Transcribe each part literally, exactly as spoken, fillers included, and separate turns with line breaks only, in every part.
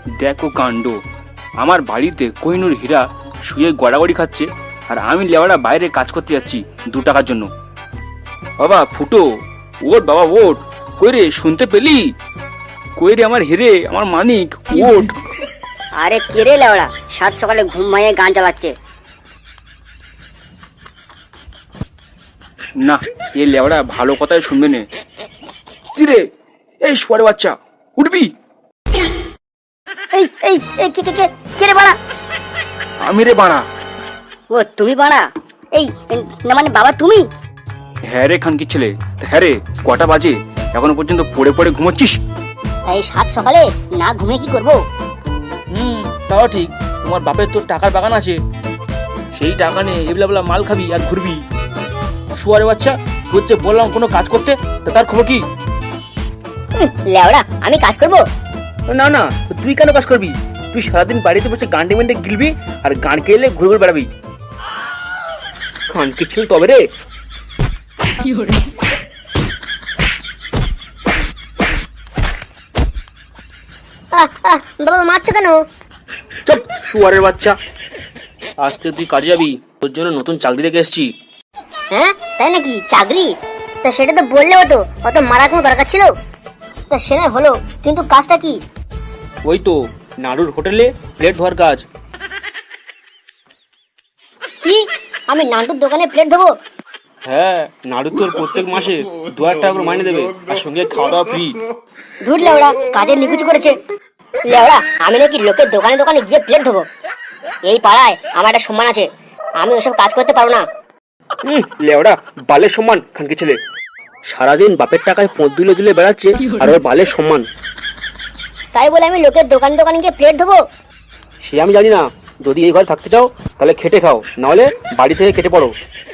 দেখো কাণ্ড, আমার বাড়িতে কোহিনূর হীরা শুয়ে গড়াগড়ি খাচ্ছে, আর আমি লেওয়াটা বাইরে কাজ করতে যাচ্ছি দু টাকার জন্য। বাবা ফুটো, ওট বাবা ওট, কই রে শুনতে পেলি? কই রে আমার হিরে, আমার মানিক, ওট।
আরে কে রে লেওড়া, সাত সকালে ঘুম ভাঙিয়ে গান চালাচ্ছে?
না, এ লেওড়া ভালো কথাই শুনবে না। কি রে, এই শুয়ারে বাচ্চা, উঠবি?
এই এই এই কে কে কে কে রে বাড়া?
আমি রে বাড়া।
ও তুমি বাড়া? এই না মানে বাবা তুমি?
হ্যাঁ রে খানকি ছেলে। হ্যাঁ রে, কটা বাজে? এখনো পর্যন্ত পড়ে পড়ে ঘুমোচ্ছিস?
এই সাত সকালে না ঘুমে কি করব?
হুম, তাও ঠিক। তোমার বাপের তোর টাকার বাগান আছে, সেই টাকা নিয়ে এবলা বলা মাল খাবি আর ঘুরবি। শুয়ারে বাচ্চা, হচ্ছে বললাম কোনো কাজ করতে, তা তার খবর কি?
লেওড়া আমি কাজ করব?
না না, তুই কেন কাজ করবি? তুই সারাদিন বাড়িতে বসে গান ডিমেন্টে গিলবি আর গান কেলে ঘুরে ঘুরে বেড়াবি। খানকি ছিল তবে রে।
বাবা মারছো কেন?
চুপ শুয়ারের বাচ্চা, আজ থেকে তুই কাজে যাবি, তোর জন্য নতুন চাকরি দেখে এসেছি।
হ্যাঁ তাই নাকি? চাকরি? তা সেটা তো বললে হতো, অত মারার কোনো দরকার ছিল? তা সেটা হলো, কিন্তু কাজটা কি?
ওই তো নাড়ুর হোটেলে প্লেট ধোয়ার কাজ।
কি? আমি নান্টুর দোকানে প্লেট ধোবো?
হ্যাঁ, নাড়ু তোর প্রত্যেক মাসে দু হাজার টাকা করে মাইনে দেবে, আর সঙ্গে খাওয়া দাওয়া ফ্রি।
ধুর লেওড়া, কাজের নিকুচি করেছে। লেওড়া, আমি নাকি লোকের দোকানে দোকানে গিয়ে প্লেট ধোবো? এই পাড়ায় আমার একটা সম্মান আছে, আমি ওসব কাজ করতে পারবো না।
হুম, লেওড়া বালের সম্মান খানকি ছেলে। সারাদিন বাপের টাকায় পথ দুলে দুলে বেড়াচ্ছে, আর ওর বালের সম্মান।
তাই বলে আমি লোকের দোকানে দোকানে গিয়ে প্লেট ধোবো?
সে আমি জানি না। যদি এই ঘরে থাকতে চাও তাহলে খেটে খাও, নাহলে বাড়ি থেকে কেটে পড়ো।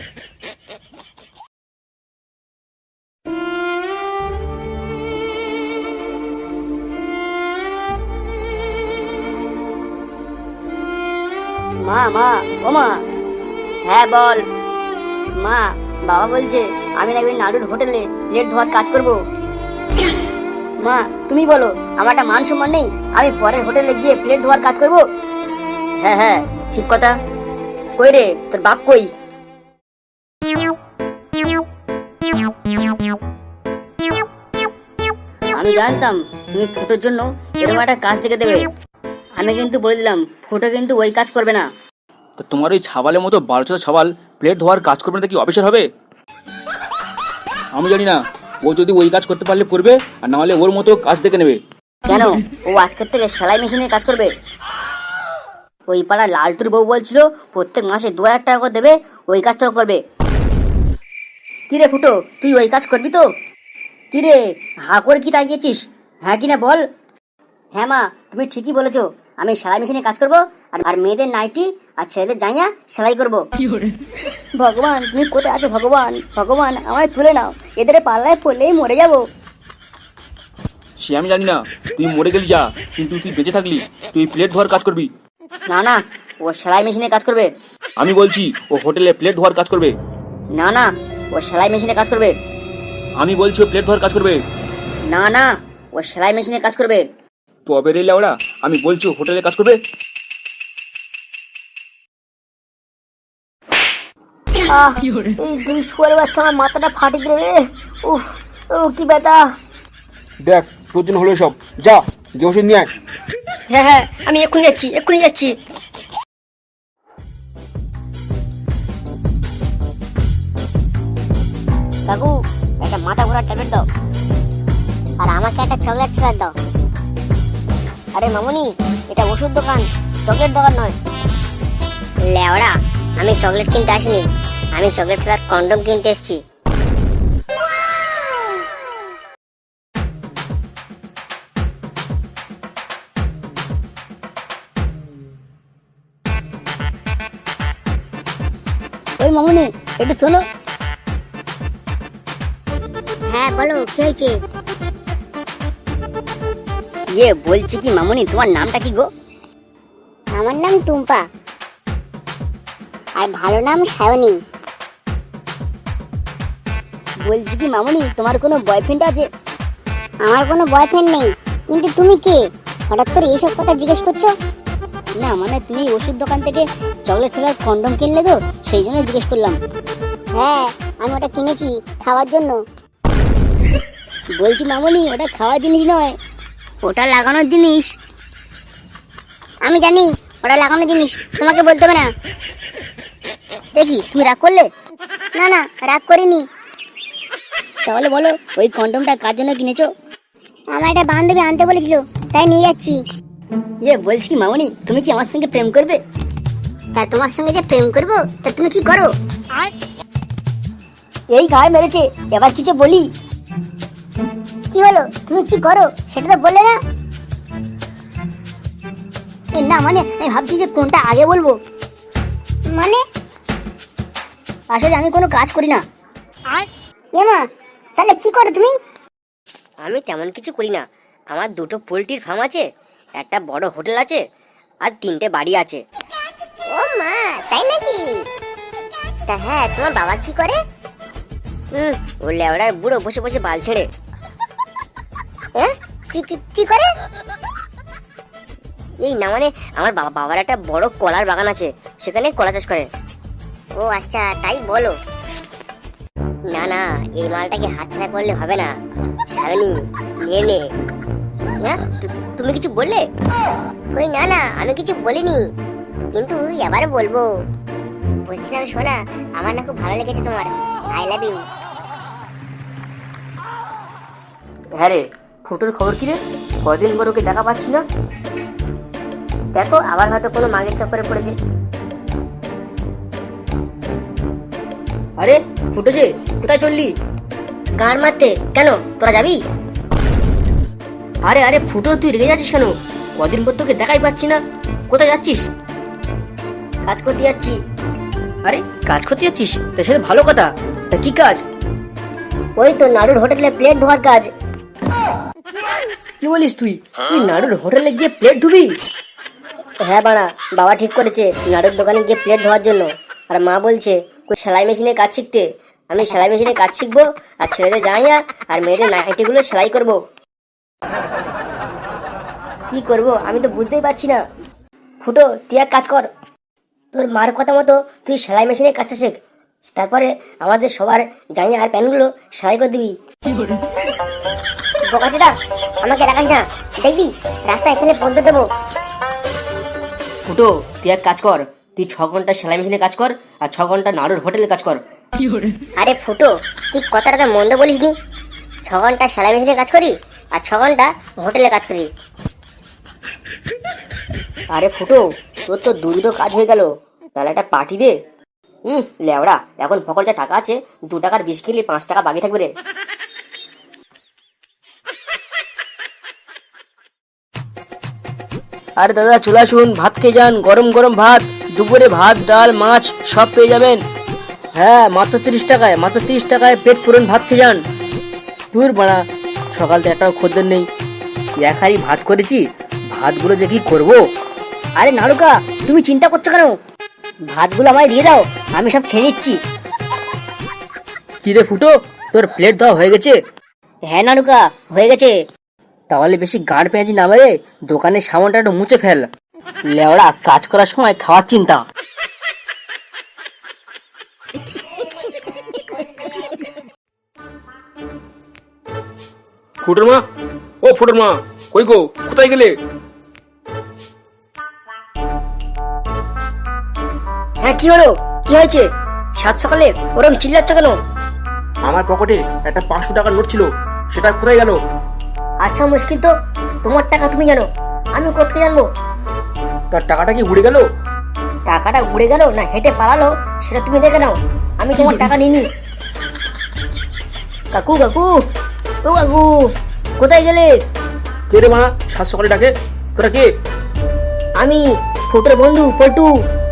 মা মা ও মা। হ্যাঁ বল। মা, বাবা বলছে আমি নাকি নাড়ুর হোটেলে প্লেট ধোয়ার কাজ করব। মা তুমি বলো, আমার একটা মান সম্মান নেই? আমি পরের হোটেলে গিয়ে প্লেট ধোয়ার কাজ করব? হ্যাঁ হ্যাঁ ঠিক কথা। কই রে তোর বাপ কই? আমি জানতাম তুমি ফুটোর জন্য এরকম একটা কাজ দেখে দেবে। আমি কিন্তু বলে দিলাম, ফুটো কিন্তু ওই কাজ করবে না।
তো তোমার ওই ছাবালের মতো বারোচোদা ছাবাল প্লেট ধোয়ার কাজ করবে না কি অফিসার হবে? আমি জানি না, ও যদি ওই কাজ করতে পারলে করবে, আর না হলে ওর মতো কাজ দেখে নেবে।
কেন, ও আজকের থেকে সেলাই মেশিনে কাজ করবে? ওই পাড়া লালটুর বউ বলছিল প্রত্যেক মাসে দু হাজার টাকা করে দেবে, ওই কাজটাও করবে। কিরে ফুটো, তুই ওই কাজ করবি তো? কিরে হা করে কি তাকিয়েছিস? হ্যাঁ কিনা বল। হ্যাঁ মা, তুমি ঠিকই বলেছো, আমি সেলাই মেশিনে কাজ করব, আর আর মেয়েদের নাইটি আর ছেলেদের জাইয়া সেলাই করব। ভগবান তুমি কোথায় আছো? ভগবান ভগবান আমায় তুলে নাও, এদের পাল্লায় পড়লেই মরে যাব।
সে আমি জানি না, তুই মরে গেলি যা, কিন্তু তুই বেঁচে থাকলি, তুই প্লেট ধোয়ার কাজ করবি।
না না, ও সেলাই মেশিনে কাজ করবে।
আমি বলছি ও হোটেলে প্লেট ধোয়ার কাজ করবে।
না না, ও সেলাই মেশিনে কাজ করবে।
আমি বলছি ও প্লেট ধোয়ার কাজ করবে।
না না, ও সেলাই মেশিনে কাজ করবে।
তবে রে লেওড়া, আমি বলছি ও হোটেলে কাজ করবে।
আহ, এই দুই শুয়ারের বাচ্চা আমার মাথাটা ফাটি দিল রে। উফ, ও কি ব্যথা।
দেখ তোর জন্য হলো সব, যা গিয়ে ওষুধ নিয়ে আয়।
হ্যাঁ হ্যাঁ, আমি এক্ষুনি যাচ্ছি, এক্ষুনি যাচ্ছি। কাকু, একটা মাথা ঘোরার ট্যাবলেট দাও। আর আমাকে একটা চকলেট ফ্লেভার দাও। আরে মামুনি, এটা ওষুধ দোকান, চকলেট দোকান নয়। লেওড়া, আমি চকলেট কিনতে আসিনি, আমি চকলেট ফ্লেভার কন্ডম কিনতে এসেছি। ওই মামুনি, একটু শোনো। হ্যাঁ বলো, কি হয়েছে? ইয়ে বলছি কি মামুনি, তোমার নামটা কি গো? আমার নাম টুম্পা, আর ভালো নাম সায়নী। বলছি কি মামুনি, তোমার কোনো বয়ফ্রেন্ড আছে? আমার কোনো বয়ফ্রেন্ড নেই, কিন্তু তুমি কে?
হঠাৎ করে এইসব কথা জিজ্ঞেস করছো?
না মানে তুমি ওষুধ দোকান থেকে চকলেট ফ্লেভার কন্ডম কিনলে তো, সেই জন্য জিজ্ঞেস করলাম।
হ্যাঁ, আমি ওটা কিনেছি খাওয়ার জন্য।
বলছি মামনি, ওটা খাওয়ার জিনিস নয়, ওটা লাগানোর জিনিস।
আমি জানি ওটা লাগানোর জিনিস, তোমাকে বলতে হবে না।
দেখি তুমি রাগ করলে?
না না, রাগ করিনি।
তাহলে বলো ওই কন্ডমটা কার জন্য কিনেছো?
আমার একটা বান্ধবী আনতে বলেছিল, তাই নিয়ে যাচ্ছি।
ইয়ে বলছি কি মামনি, তুমি কি আমার সঙ্গে প্রেম করবে?
তা তোমার সঙ্গে যে প্রেম করবো, তা তুমি কি করো?
এই গায়ে মেরেছে, এবার কিছু বলি?
কি হলো, তুমি কি করো সেটা তো বললে না।
এ না মানে আমি ভাবছি যে কোনটা আগে বলবো।
মানে?
আসলে আমি কোনো কাজ করি না।
এমা, তাহলে কি করো তুমি?
আমি তেমন কিছু করি না। আমার দুটো পোলট্রির ফার্ম আছে, একটা বড় হোটেল আছে, আর তিনটে বাড়ি আছে।
ও মা, তাই নাকি? তা হ্যাঁ, তোমার বাবা কি করে?
হুম, ও লেওড়ার বুড়ো বসে বসে বাল ছেড়ে।
হ্যাঁ, কি কি কি করে?
এই না মানে আমার বাবা বাবার একটা বড় কলার বাগান আছে, সেখানে কলা চাষ করে।
ও আচ্ছা, তাই বলো।
না না, এই মালটাকে হাতছাড়া করলে হবে না। সারণী নিয়ে নে। হ্যাঁ, তু- তুমি কিছু বললে?
কই না না, আমি কিছু বলিনি, কিন্তু এবারে বলবো। বলছিলাম শোনা, আমার না খুব ভালো লেগেছে তোমার। I love you.
হ্যাঁ রে, ফুটোর খবর কি রে? কদিন পর ওকে দেখা পাচ্ছি না। দেখো আবার হয়তো কোনো মাগের চক্করে পড়েছে। আরে ফুটো যে, কোথায় চললি? গান মারতে। কেন, তোরা যাবি? আরে আরে ফুটো, তুই রেগে যাচ্ছিস কেন? কদিন পর তোকে দেখাই পাচ্ছি না, কোথায় যাচ্ছিস? কাজ করতে যাচ্ছি। আরে কাজ করতে যাচ্ছিস? তা সেটা ভালো কথা। তা কি কাজ? ওই তো নাড়ুর হোটেলে প্লেট ধোয়ার কাজ। কি বলিস তুই? তুই নাড়ুর হোটেলে গিয়ে প্লেট ধুবি? হ্যাঁ বাড়া, বাবা ঠিক করেছে নাড়ুর দোকানে গিয়ে প্লেট ধোয়ার জন্য। আর মা বলছে ওই সেলাই মেশিনে কাজ শিখতে। আমি সেলাই মেশিনে কাজ শিখবো, আর ছেলেদের জামাইয়া আর মেয়েদের নাইটিগুলো সেলাই করব। কি করব আমি তো বুঝতেই পারছি না। ফুটো, তুই এক কাজ কর, তোর মার কথা মতো তুই সেলাই মেশিনে কাজটা শেখ, তারপরে আমাদের সবার জামাইয়া আর প্যান্টগুলো সেলাই করে দিবি।
বোকাচোদা, আমাকে রাখাস না, দেখবি রাস্তায় ফেলে বলতে দেবো।
ফুটো, তুই এক কাজ কর, তুই ছ ঘন্টা সেলাই মেশিনে কাজ কর, আর ছ ঘন্টা নাড়ুর হোটেলে কাজ কর।
আরে ফুটো, তুই কথাটা তো মন্দ বলিসনি। ছ ঘন্টা সেলাই মেশিনে কাজ করি, আর ছ ঘন্টা হোটেলে কাজ করি।
আরে ফুটো, তোর তো দু দুটো কাজ হয়ে গেল, তাহলে একটা পার্টি দে। হুম, লেওড়া, এখন পকেট যা টাকা আছে, দু টাকার বিষ খেলে পাঁচ টাকা বাকি থাকবে রে। আরে দাদা চলে আসুন, ভাত খেয়ে যান, গরম গরম ভাত, দুপুরে ভাত ডাল মাছ সব পেয়ে যাবেন। হ্যাঁ, মাত্র তিরিশ টাকায়, মাত্র তিরিশ টাকায় পেট পুরন ভাত খেয়ে যান। দূর বাড়া, সকাল তো একটাও খদ্দের নেই, এক হাড়ি ভাত করেছি, ভাতগুলো যে কি করবো। আরে নাড়ুকা, তুমি চিন্তা করছো কেন? ভাতগুলো আমায় দিয়ে দাও, আমি সব খেয়ে নিচ্ছি। কি রে ফুটো, তোর প্লেট দেওয়া হয়ে গেছে? হ্যাঁ নাড়ুকা, হয়ে গেছে। তাহলে বেশি গাঁড় পেঁয়াজি না মেরে দোকানের সামানটা একটু মুছে ফেল। লেওড়া, কাজ করার সময় খাওয়ার চিন্তা।
ফুটোর মা, ও ফুটোর মা, কই গো, কোথায় গেলে?
হ্যাঁ কি হলো, কি হয়েছে? সাত সকালে ওরম চিল্লাচ্ছ কেন?
আমার পকেটে একটা পাঁচশো টাকার নোট ছিল, সেটা কোথায় গেল?
আচ্ছা মুশকিল তো, তোমার টাকা তুমি জানো, আমি কোথায় জানবো?
তার টাকাটা কি উড়ে গেল?
টাকাটা উড়ে গেল না হেঁটে পালালো, সেটা তুমি দেখে নাও, আমি তোমার টাকা নিইনি। কাকু কাকু, ও কাকু, কোথায় গেলে?
কে রে মা, সাত সকালে ডাকে? তোরা কে?
আমি ফুটোর বন্ধু পল্টু।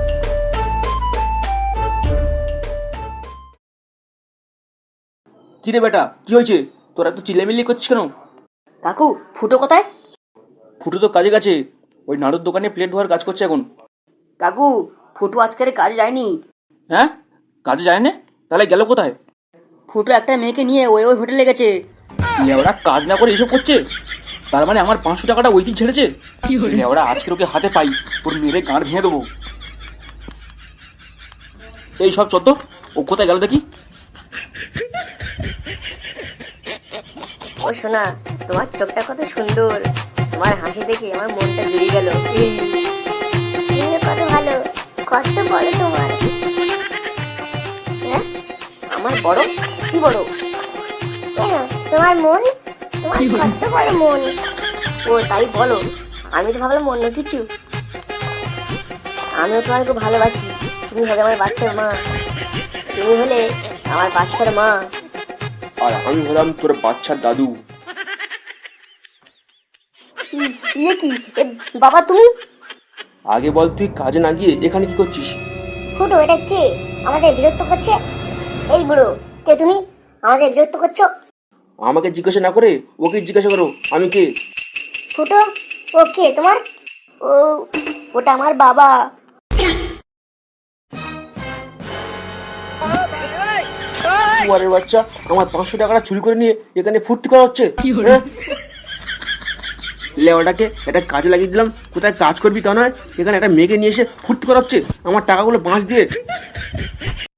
কি রে বেটা, কি হয়েছে? তোরা তো চিল্লামিল্লি করছিস কেন?
কাকু, ফুটো কোথায়?
ফুটো তো কাজে গেছে, ওই নাড়ুর দোকানে প্লেট ধোয়ার কাজ করছে এখন।
কাকু, ফুটো আজকের কাজে যায়নি।
হ্যাঁ, কাজে যায় না? তাহলে গেল কোথায়?
ফুটো একটা মেয়েকে নিয়ে ওই ওই হোটেলে গেছে।
ওরা কাজ না করে এসব করছে? তার মানে আমার পাঁচশো টাকাটা ওই দিন ছেড়েছে। ওরা আজকের ওকে হাতে পাই, ওর মেরে গাঁড় ভেঙে দেবো। এই সব চত, ও কোথায় গেল দেখি।
ও সোনা, তোমার চোখটা কত সুন্দর, তোমার হাসি দেখে আমার মনটা জুড়িয়ে গেল।
তুমিও কত ভালো, কত বড় তোমার।
হ্যাঁ, আমার বড়? কি বড়?
কেন তোমার মন, তোমার কত বড় মন।
ও তাই বলো? আমি তো ভাবলাম অন্য কিছু। আমিও তোমাকে খুব ভালোবাসি, তুমি হলে আমার বাচ্চার মা, তুমি হলে আমার বাচ্চার মা।
আর আমি হলাম তোর বাচ্চার দাদু।
ই- ইয়ে কি এ, বাবা তুমি?
আগে বল, তুই কাজে না গিয়ে এখানে কি করছিস?
ফুটো, এটা কে আমাদের বিরক্ত করছে? এই বুড়ো, কে তুমি? আমাদের বিরক্ত করছো?
আমাকে জিজ্ঞাসা না করে ওকে জিজ্ঞাসা করো আমি কে।
ফুটো, ও কে তোমার?
ও, ওটা আমার বাবা।
কুয়ারের বাচ্চা, আমার পাঁচশো টাকাটা চুরি করে নিয়ে এখানে ফুর্তি করা হচ্ছে। হ্যাঁ? লেওয়াটাকে একটা কাজে লাগিয়ে দিলাম, কোথায় কাজ করবি তা নয়, এখানে একটা মেয়েকে নিয়ে এসে ফুর্তি করা হচ্ছে আমার টাকাগুলো বাঁশ দিয়ে।